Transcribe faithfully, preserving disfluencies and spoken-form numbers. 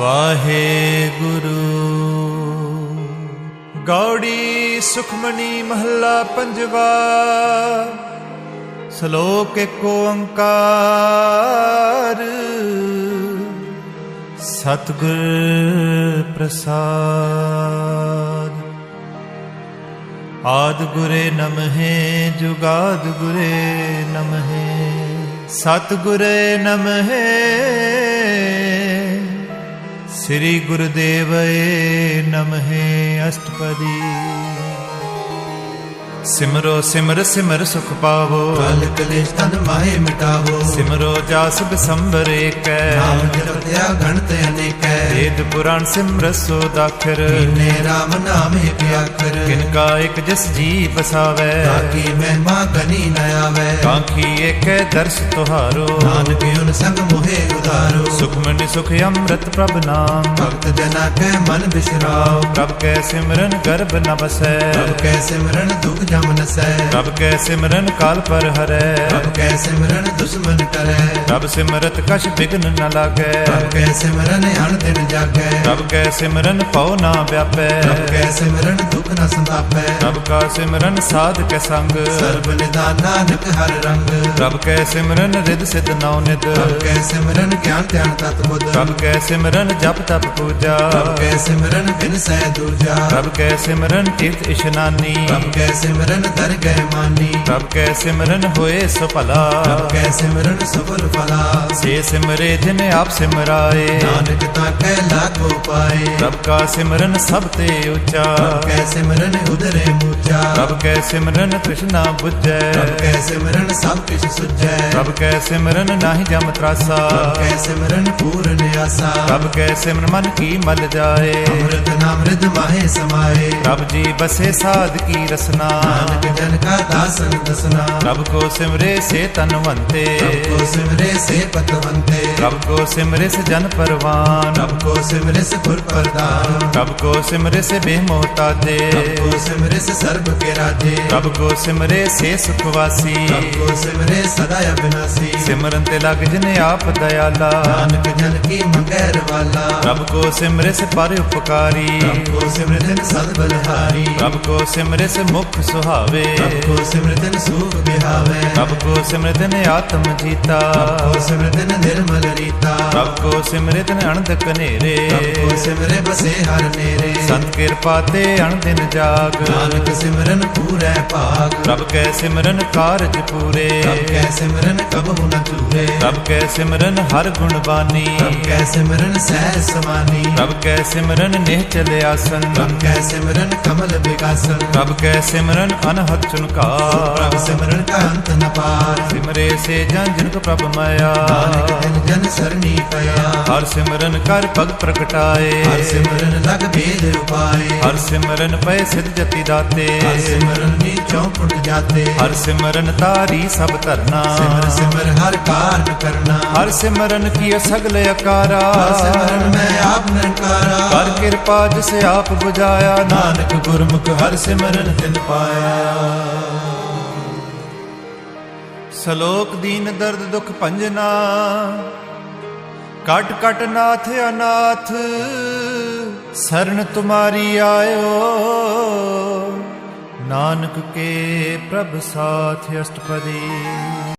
वाहे गुरु। गौड़ी सुखमणी महला पंजवा। श्लोक एको ओंकार। सतगुर प्रसाद। आदि गुरे नमः जुगाद गुरे नमः। सतगुरे नमः। श्री गुरुदेवये नमः। अष्टपदी। सिमरो सिमर सिमर सुख पावो। काल कलेश तन माहे मिटावो। सिमरो जास बिसंबर एक। नाम जपत्या गणत अनेक। वेद पुराण सिमरत सो दाखिर। कीने राम नाम एक आखर। किनका एक जस जी बसावै। ताकि महिमा गनी न आवे। कांखी एक दर्श तुहारो। नानक उन संग मोहे उधारो। सुखमणि सुख अमृत प्रभ नाम। भक्त जना के मन बिसराओ। प्रभ कै सिमरन गर्भ न बसै। प्रभ कै सिमरन दुख जम नसै। प्रभ कै सिमरन काल पर हरै। प्रभ कै सिमरन दुश्मन टरै। प्रभ सिमरत कछ विघ्न न लागै। प्रभ कै सिमरन अण दिन जागै। प्रभ कै सिमरन पौ ना व्यापै। प्रभ कै सिमरन दुख न संतापै। प्रभ का सिमरन साध के संग। सर्व निदान नानक हर रंग। प्रभ कै सिमरन रिद सिद्ध नौ निद। प्रभ कै सिमरन ज्ञान ध्यान तत बुध। प्रभ कै सिमरन जप तप पूजा। प्रभ कै सिमरन बिन सै दूजा। प्रभ कै सिमरन तीर्थ इशनानी। प्रभ कै सिमरन दर गए मानी। प्रभ कै सिमरन होए सो भला। प्रभ कै सिमरन सफल फला। से सिमरे जिन आप सिमराए। नानक ताकै लाखो पाए। प्रभ का सिमरन सब ते ऊंचा। प्रभ कै सिमरन उदरे मूचा। प्रभ कै सिमरन कृष्णा बुझै। प्रभ कै सिमरन सब किछ सुझै। प्रभ कै सिमरन नाहि जम त्रासा। प्रभ कै सिमरन पूर्ण आसा। प्रभ कै सिमरन मन की मल जाए। अमृत नामृत माहे समाए। प्रभ जी बसे साध की रसना। नानक जन का दासन दसना। प्रभ को सिमरे से तनवंते। प्रभ को सिमरे से पतवंते। प्रभ को सिमरे से जन परवान। प्रभ को सिमरे से गुर प्रदान। प्रभ को सिमरे से बेमोहताजे। प्रभ को सिमरे से सर्व के राजे। प्रभ को सिमरे से सुखवासी। प्रभ को सिमरे सदा अविनाशी। सिमरन ते लग जिन आप दयाला। नानक जन की मंगैर वाला। प्रभ को सिमरे से पर उपकारी। प्रभ को सिमरन सद बलहारी। प्रभ को सिमरे से मुख सुहावे। प्रभ को सिमरन सुख बिहावे। प्रभ को सिमरन आत्म जीता। प्रभ को सिमरन निर्मल रीता। प्रभ को सिमरन अणध कनेरे। प्रभ को सिमरे बसे हर नेरे। संत कृपा ते अण दिन जाग। नानक सिमरन पूरै भाग। प्रभ कै सिमरन कारज पूरे। प्रभ कै सिमरन कबहु न चूरे। प्रभ कै सिमरन हर गुण बानी। प्रभ कै सिमरन सहज समानी। प्रभ कै सिमरन निश्चल आसन। प्रभ कै सिमरन कमल विकासन। प्रभ कै सिमरन अनहद चुनकार। प्रभ सिमरन का अंत न पार। सिमरे से जन जिनक प्रभ माया। नानक जन जन सरनी पया। हर सिमरन कर पग प्रगटाए। हर सिमरन लग भेद उपाय। हर सिमरन पै सिद्ध जति दाते। हर सिमरन नीचों पुट जाते। हर सिमरन तारी सब धरना। सिमर सिमर हर कार्य करना। हर सिमरन कियो सगल अकारा। हर सिमरन में आप निरंकारा। कर कृपा जिसे आप बुझाया। नानक गुरमुख हर सिमरन तिन पाया। सलोक दीन दर्द दुख भंजना। कट कट नाथ अनाथ। शरण तुम्हारी आयो। नानक के प्रभ साथ अष्टपदी।